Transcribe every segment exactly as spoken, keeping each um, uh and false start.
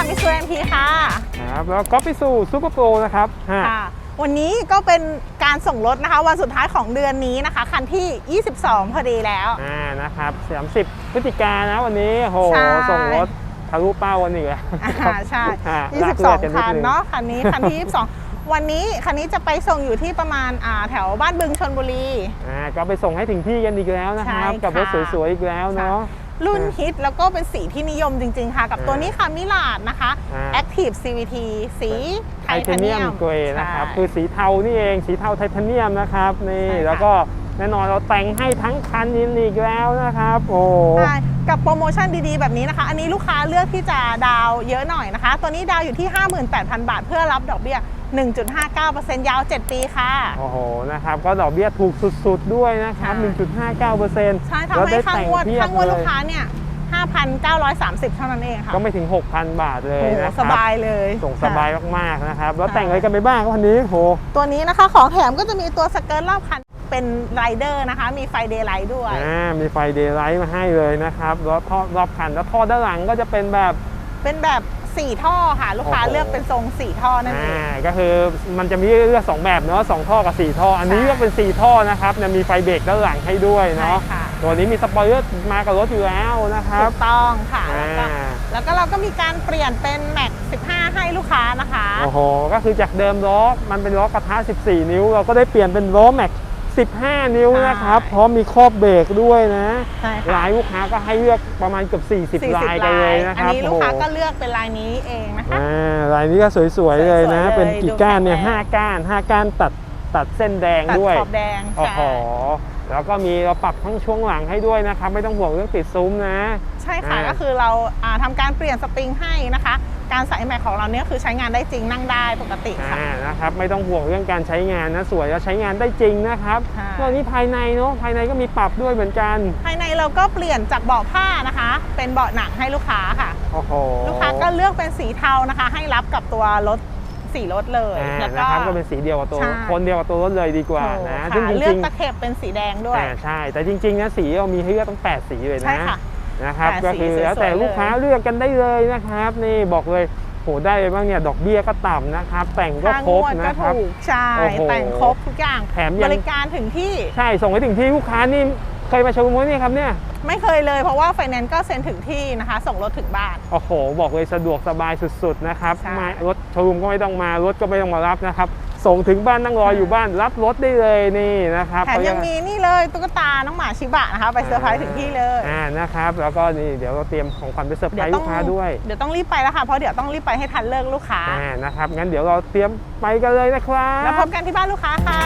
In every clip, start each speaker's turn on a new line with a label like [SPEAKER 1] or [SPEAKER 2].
[SPEAKER 1] มิสูเอ็มพีค่ะ
[SPEAKER 2] ครับแล้วก็ไปสู่ซูเปอร์โปรนะครับ
[SPEAKER 1] ค่ะวันนี้ก็เป็นการส่งรถนะคะวันสุดท้ายของเดือนนี้นะคะคันที่ยี่สิบสองพอดีแล้ว
[SPEAKER 2] อ่านะครับสามสิบพฤศจิกายนนะวันนี้โหส่งรถทะลุเป้าวันนี้แล้ว
[SPEAKER 1] ใช่ยี่สิบสองคันเนาะคันนี้คันที่ยี่สิบสองวันนี้คันนี้จะไปส่งอยู่ที่ประมาณอ่าแถวบ้านบึงชลบุรี
[SPEAKER 2] อ่าก็ไปส่งให้ถึงที่กันอีกแล้วนะครับกับรถสวยๆอีกแล้วเนาะ
[SPEAKER 1] รุ่นฮิตแล้วก็เป็นสีที่นิยมจริงๆค่ะกับตัวนี้ค่ะมิลาดนะคะ Active ซี วี ที สีไทเทเนียม
[SPEAKER 2] เกรย์นะครับคือสีเทานี่เองสีเทาไทเทเนียมนะครับนี่แล้วก็แน่นอนเราแต่งให้ทั้งคันยินอีกแล้วนะครับโอ้
[SPEAKER 1] กับโปรโมชั่นดีๆแบบนี้นะคะอันนี้ลูกค้าเลือกที่จะดาวเยอะหน่อยนะคะตัวนี้ดาวอยู่ที่ ห้าหมื่นแปดพัน บาทเพื่อรับดอกเบี้ย หนึ่งจุดห้าเก้าเปอร์เซ็นต์ ยาวเจ็ดปีค่ะ
[SPEAKER 2] โอ้โหนะครับก็ดอกเบี้ยถูกสุดๆด้วยนะครับ หนึ่งจุดห้าเก้าเปอร์เซ็นต์
[SPEAKER 1] ใช่ทำให้ค่างวดค่างวดลูกค้าเนี่ยห้าพันเก้าร้อยสามสิบ เท่านั้นเองค่ะ
[SPEAKER 2] ก็ไม่ถึง หกพัน บาทเลยนะครับ
[SPEAKER 1] สบายเลย
[SPEAKER 2] ส่งสบายมากๆนะครับแล้วแต่งอะไรกันไปบ้างวันนี้โห
[SPEAKER 1] ตัวนี้นะคะของแถมก็จะมีตัวสเกิร์ตรอบคันเป็นไรเดอร์นะคะมีไฟเดย์ไลท์ด้วย
[SPEAKER 2] อ่ามีไฟเดย์ไลท์มาให้เลยนะครับแล้วท่อรอบคันแล้วท่อด้านหลังก็จะเป็นแบบ
[SPEAKER 1] เป็นแบบสี่ท่อค่ะลูกค้าเลือกเป็นทรงสี่ท่อนั่นเอง
[SPEAKER 2] ก็คือมันจะมีเลือกสองแบบเนาะสองท่อกับสี่ท่ออันนี้เลือกเป็นสี่ท่อนะครับมีไฟเบรกด้านหลังให้ด้วยเนาะตัวนี้มีสปอยเลอร์มากับรถอยู่แล้วนะครับ
[SPEAKER 1] ถูกต้องค่ะแล้วก็เราก็มีการเปลี่ยนเป็นแม็กสิบห้าให้ลูกค้านะคะ
[SPEAKER 2] โอ้โหก็คือจากเดิมล้อมันเป็นล้อกระทะสิบสี่นิ้วเราก็ได้เปลี่ยนเป็นล้อแม็กสิบห้านิ้วนะครับพร้อมมีครอบเบรกด้วยนะลายลูกค้าก็ให้เลือกประมาณเกือบสี่สิบลายกันเลยนะครับ
[SPEAKER 1] อันนี้ลูกค้าก็เลือกเป็นลายนี้เองนะคะ
[SPEAKER 2] ลายนี้ก็สวยๆเลยนะเป็นกี่ก้านเนี่ยห้าก้านห้าก้านตัดตัดเส้นแดงด้วย
[SPEAKER 1] ตัดขอบแดง
[SPEAKER 2] โอ้โหแล้วก็มีเราปรับทั้งช่วงหลังให้ด้วยนะครับไม่ต้องห่วงเรื่องติดซุ้มนะ
[SPEAKER 1] ใช่ค่ะก็คือเราทำการเปลี่ยนสปริงให้นะคะการใส่แม็กของเราเนี่ยคือใช้งานได้จริงนั่งได้ปกติค่ะ
[SPEAKER 2] นะครับไม่ต้องห่วงเรื่องการใช้งานนะสวยแล้วใช้งานได้จริงนะครับตัวนี้ภายในเนาะภายในก็มีปรับด้วยเหมือนกัน
[SPEAKER 1] ภายในเราก็เปลี่ยนจากเบาะผ้านะคะเป็นเบาะหนังให้ลูกค้าค่ะ
[SPEAKER 2] โอ้โห
[SPEAKER 1] ลูกค้าก็เลือกเป็นสีเทานะคะให้รับกับตัวรถสีรถเลย
[SPEAKER 2] แล้วก็ก็เป็นสีเดียวกับตัวคนเดียวกับตัวรถเลยดีกว่านะ
[SPEAKER 1] ซึ่งจริงๆเลือกตะเข็บเป็นสีแดงด้วย
[SPEAKER 2] ใช่แต่จริงๆนะสีเรามีให้เลือกตั้งแปดสีเลยนะนะครับก็คือแล้วแต่ลูกค้าเลือกกันได้เลยนะครับนี่บอกเลยโหได้บ้างเนี่ยดอกเบี้ยก็ต่ำนะครับแต่งก็ครบนะครับ
[SPEAKER 1] ใช่แต่งครบทุกอย่าง
[SPEAKER 2] แถม
[SPEAKER 1] บริการถึงที่
[SPEAKER 2] ใช่ส่งไปถึงที่ลูกค้านี่เคยมาชมมั้ยเนี่ยครับเนี่ย
[SPEAKER 1] ไม่เคยเลยเพราะว่าไฟแนนซ์ก็เซ็นถึงที่นะคะส่งรถถึงบ้าน
[SPEAKER 2] โอ้โหบอกเลยสะดวกสบายสุดๆนะครับมารถโชว์รูมก็ไม่ต้องมารถก็ไม่ต้องมารับนะครับส่งถึงบ้านนั่งรออยู่บ้านรับรถได้เลยนี่นะครับ
[SPEAKER 1] แถมยังมีนี่เลยตุ๊กตาน้องหมาชิบะนะคะไปเซอร์ไพรส์ถึงที่เลย
[SPEAKER 2] อ่านะครับแล้วก็นี่เดี๋ยวเราเตรียมของขวัญไปเซอร์ไพรส์ลูกค้าด้วย
[SPEAKER 1] เดี๋ยวต้องรีบไปแล้วค่ะเพราะเดี๋ยวต้องรีบไปให้ทันเลิกลูกค้า
[SPEAKER 2] อ่านะครับงั้นเดี๋ยวเราเตรียมไปกันเลยนะครับ
[SPEAKER 1] แล้วพบกันที่บ้านลูกค้าค่ะ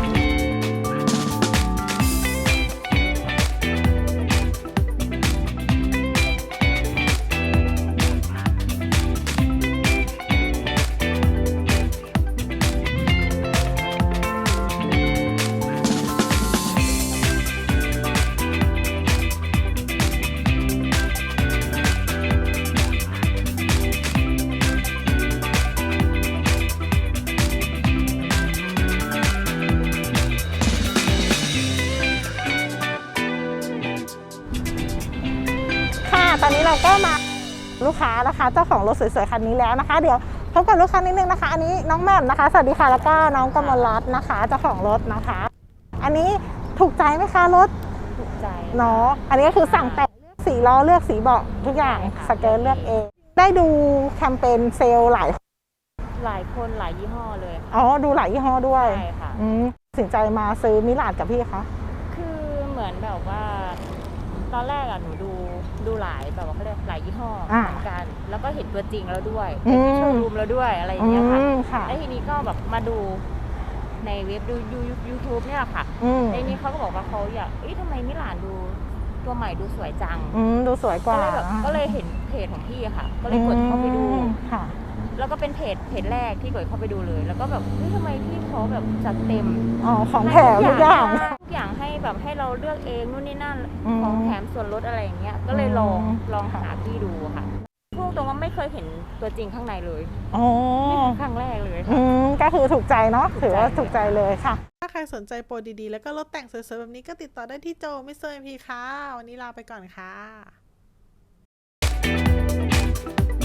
[SPEAKER 1] ตอนนี้เราก็มาลูกค้านะคะเจ้าของรถสวยๆคันนี้แล้วนะคะเดี๋ยวพบกับลูกค้านิดนึงนะคะอันนี้น้องแม่มนะคะสวัสดีค่ะแล้วก็น้องกมลรัตน์นะคะเจ้าของรถนะคะอันนี้ถูกใจไหมคะรถ
[SPEAKER 3] ถูกใจ
[SPEAKER 1] เนาะอันนี้ก็คือสั่งแต่งเลือกสีล้อเลือกสีเบาะทุกอย่างสเกิร์ตเลือกเองได้ดูแคมเปญเซลล์หลาย
[SPEAKER 3] หลายคนหลายยี่ห้อเลย
[SPEAKER 1] อ๋อดูหลายยี่ห้อด้วย
[SPEAKER 3] ใช่ค่ะ
[SPEAKER 1] ตัดสินใจมาซื้อมิลาดกับพี่คะ
[SPEAKER 3] คือเหมือนแบบว่าตอนแรกอะหนูดูดูหลายแบบว่าเขาเรียกหลายยี่ห้อเหมือนกันแล้วก็เห็นตัวจริงแล้วด้วยเห็นที่โชว์รูมแล้วด้วยอะไรอย่างเงี้ยค่ะแล้วทีนี้ก็แบบมาดูในเว็บดูยูทูบเนี่ยค่ะในนี้เขาก็บอกว่าเขาอยากเอ๊ะทำไมมิลานดูตัวใหม่ดูสวยจัง
[SPEAKER 1] ดูสวยกว่า
[SPEAKER 3] ก็เลยแบบก็เลยเห็นเพจของพี่ค่ะก็เลยกดเข้าไปดู
[SPEAKER 1] ค่ะ
[SPEAKER 3] แล้วก็เป็นเพจเพจแรกที่กดเข้าไปดูเลยแล้วก็แบบเฮ้ยทำไมพี่เขาแบบจัดเต็ม
[SPEAKER 1] อ๋อของแถมทุกอย่าง
[SPEAKER 3] ทุกอย่างให้แบบให้เราเลือกเองนู่นนี่นั่นของแถมส่วนลดอะไรอย่างเงี้ยก็เลยลองลองหาพี่ดูค่ะพูดตรงว่าไม่เคยเห็นตัวจริงข้างในเลย
[SPEAKER 1] อ๋อ
[SPEAKER 3] นี่คือครั้งแรกเลย
[SPEAKER 1] ค่ะก็คือถูกใจเนาะถือว่าถูกใจเลยค่ะ
[SPEAKER 4] ถ้าใครสนใจโปรดีๆแล้วก็รถแต่งสวยๆแบบนี้ก็ติดต่อได้ที่โจมิสเตอร์ เอ็ม พี ค่ะวันนี้ลาไปก่อนค่ะ